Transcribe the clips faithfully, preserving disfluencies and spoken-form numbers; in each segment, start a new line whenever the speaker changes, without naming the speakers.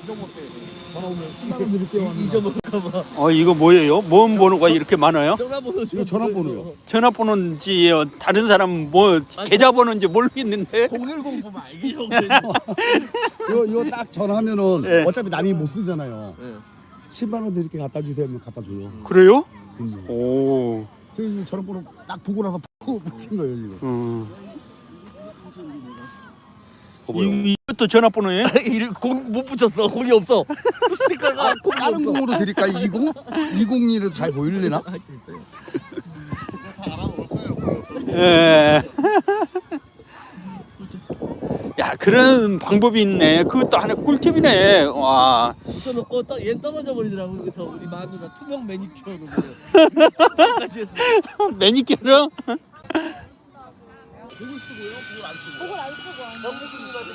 전화 오면 십 만 원 드릴게요.
잊어먹을까봐.
어 이거 뭐예요? 뭔 번호가 이렇게 많아요?
전화번호
이거 전화번호요.
전화번호인지 다른 사람 뭐 계좌번호인지 모르겠는데.
공일공 보면 알겠죠.
이거 이거 딱 전화하면은
네.
어차피 남이 못 쓰잖아요.
네.
십만 원 드릴게 갖다 주세요 하면 갖다 줘요.
그래요?
음.
오.
저희 전화번호 딱 보고 나서 바로 붙인 거예요 이거.
음. 이, 이것도 전화번호예요?
공못 붙였어. 공이 없어. 스티커가 공이
다른
없어.
공으로 드릴까? 이십? 이십이로 잘 보일래나?
예. 야 그런 방법이 있네. 그것도 하나 꿀팁이네. 와.
붙여놓고 떠, 얘 떨어져 버리더라고. 그래서 우리 마누라 투명 매니큐어로
매니큐어?
그걸 쓰고요. 그걸 안 쓰고.
그걸 안 쓰고 안
영국 분들한테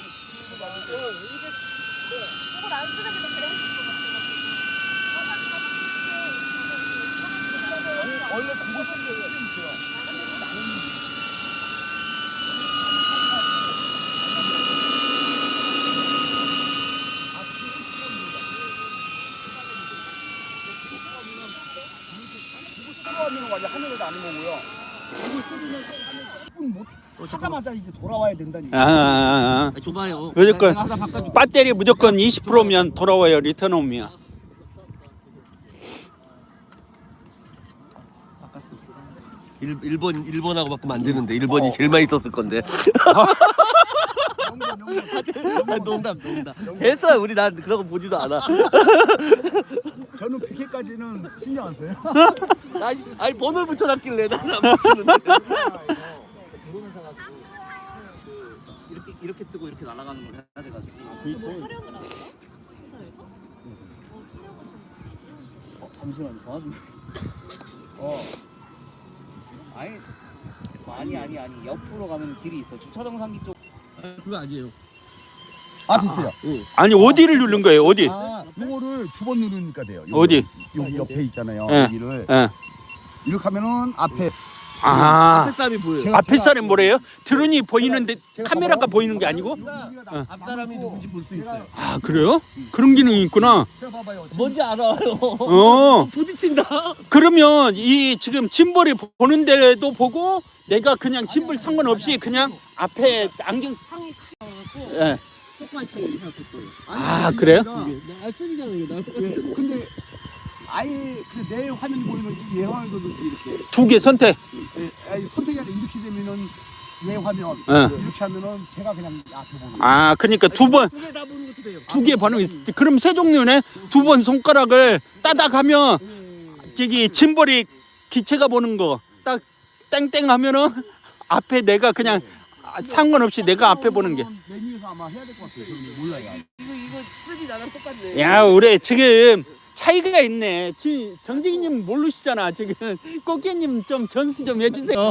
그걸 안 쓰는 게 더 그래.
원래 그거 쓰는 게 있어요. 하는 거 아니야? 하늘에도 아닌 거고요. 이거 쓰면 분 못 하자마자 이제 돌아와야 된다니까.
아, 아,
아, 줘봐요.
무조건
내가 하나 바꿔줄게.
배터리 무조건 이십 퍼센트면 돌아와요. 리턴 오면.
일, 일본 일본하고 바꾸면 안 되는데 일본이 제일 많이 썼을 건데. 아, 농담 농담. 됐어 우리 난 그런 거 보지도 않아.
저는 백 회까지는 신경 안 써요.
아니, 아니 번호를 붙여놨길래 나는 안 붙이는데. 이렇게 이렇게 뜨고 이렇게 날아가는 걸 해야 돼가지고.
뭐 촬영을 하세요? 회사에서? 어 촬영하시는
어, 잠시만요. 전화 좀. 어.
아니 아니 아니 아니 옆으로 가면 길이 있어. 주차정상기 쪽.
아, 그거 아니에요.
아 됐어요.
아니 어디를 누른 거예요? 어디?
아 이거를 두 번 누르니까 돼요. 여기,
어디?
여기 옆에 있잖아요.
예.
여기를
예.
이렇게 하면은 앞에
아.
앞에 사람이 보여요.
제가-
앞에 사람 뭐래요? 드론이 보이는데
제가
카메라가
봐봐요.
보이는 게 아니고?
여기가 나-
앞 사람이 누군지 볼 수 있어요.
아 그래요? 그런 기능이 있구나.
제가 봐봐요.
뭔지 알아요.
어.
부딪힌다.
그러면 이 지금 짐벌이 보는 데도 보고 내가 그냥 짐벌 상관없이 그냥 앞에 안경
상이 커갖고
예.
조그만 창이 이렇게 생겼어요.
아 그래요?
나 알펜이잖아 이거 나
예,
똑같은데.
근데 아예 그 내 화면이 보이면 얘 화면도 이렇게
두 개 선택.
예, 아니, 선택이 아니라 이렇게 되면은 얘 화면
예.
이렇게 하면은 제가 그냥 앞에 보는 거예요.
아 그러니까 두 번
두개 다 보는 것도 돼요.
두 개 반응 있을 때 그럼 세 종류네. 두 번 손가락을 따닥 하면 저기 짐벌이 기체가 보는 거 딱 땡땡 하면은 앞에 내가 그냥 상관없이 내가 앞에 보는 게.
메뉴에서 아마 해야 될 것 같아요. 저는 몰라요.
이거 이거 쓰기 나랑 똑같네.
야 우리 지금 차이가 있네. 지, 정직이님 모르시잖아. 지금 꽃게님 좀 전수 좀 해주세요.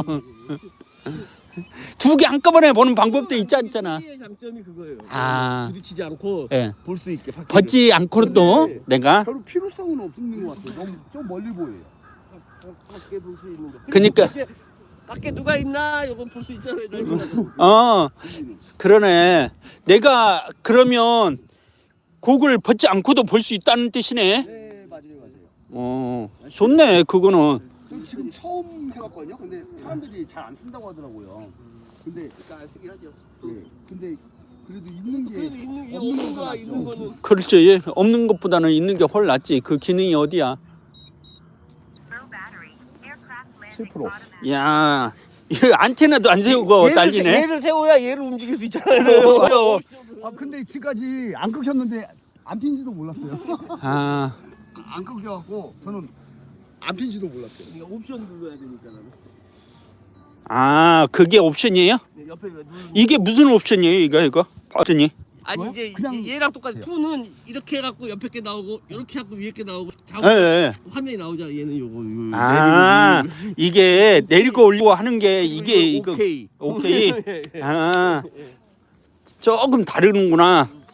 두 개 한꺼번에 보는 방법도 있지 않잖아.
의 장점이 그거예요.
아.
부딪히지 않고
예.
볼 수 있게. 밖에를.
벗지 않고도 내가
별로 필요성은 없는 것 같아요. 너무 좀 멀리 보여요.
밖에 볼 수 있는 거.
그니까.
밖에, 밖에 누가 있나 이건 볼 수 있잖아요. 날씨가.
어 그러네. 내가 그러면 곡을 벗지 않고도 볼 수 있다는 뜻이네.
네 맞아요 맞아요.
어 좋네 그거는.
저 지금 처음 해봤거든요. 근데 사람들이 잘 안 쓴다고 하더라고요. 근데
그러니까 안 쓰긴 하죠.
예, 근데 그래도 있는 게
그래도 있는 게
없는
없는
거
거야
낫죠.
있는 거는.
그렇지. 예, 없는 것보다는 있는 게 훨 낫지. 그 기능이 어디야?
칠 퍼센트.
야, 이거 안테나도 안 세우고 난리네.
얘를 세워야 얘를 움직일 수 있잖아요.
그래요.
아 근데 지금까지 안 끊겼는데 안 핀지도 몰랐어요.
아,
안 끊겨갖고 저는 안 핀지도 몰랐어요.
그러니까 옵션 눌러야 되니까 나는.
아, 그게 옵션이에요?
네, 옆에 왜 누르는
이게 무슨 옵션이에요, 이거 이거? 봤더니.
아니
뭐요?
이제
그냥
얘- 얘랑 똑같아.
해요.
투는 이렇게 해갖고 옆에 게 나오고 이렇게 해갖고 위에 게 나오고
예,
자고
예.
화면이 나오잖아. 얘는 요거 요
아,
내리고
이게 내리고 올리고 하는 게 이게 이거
오케이
오케이.
예, 예.
아, 조금 다르는구나.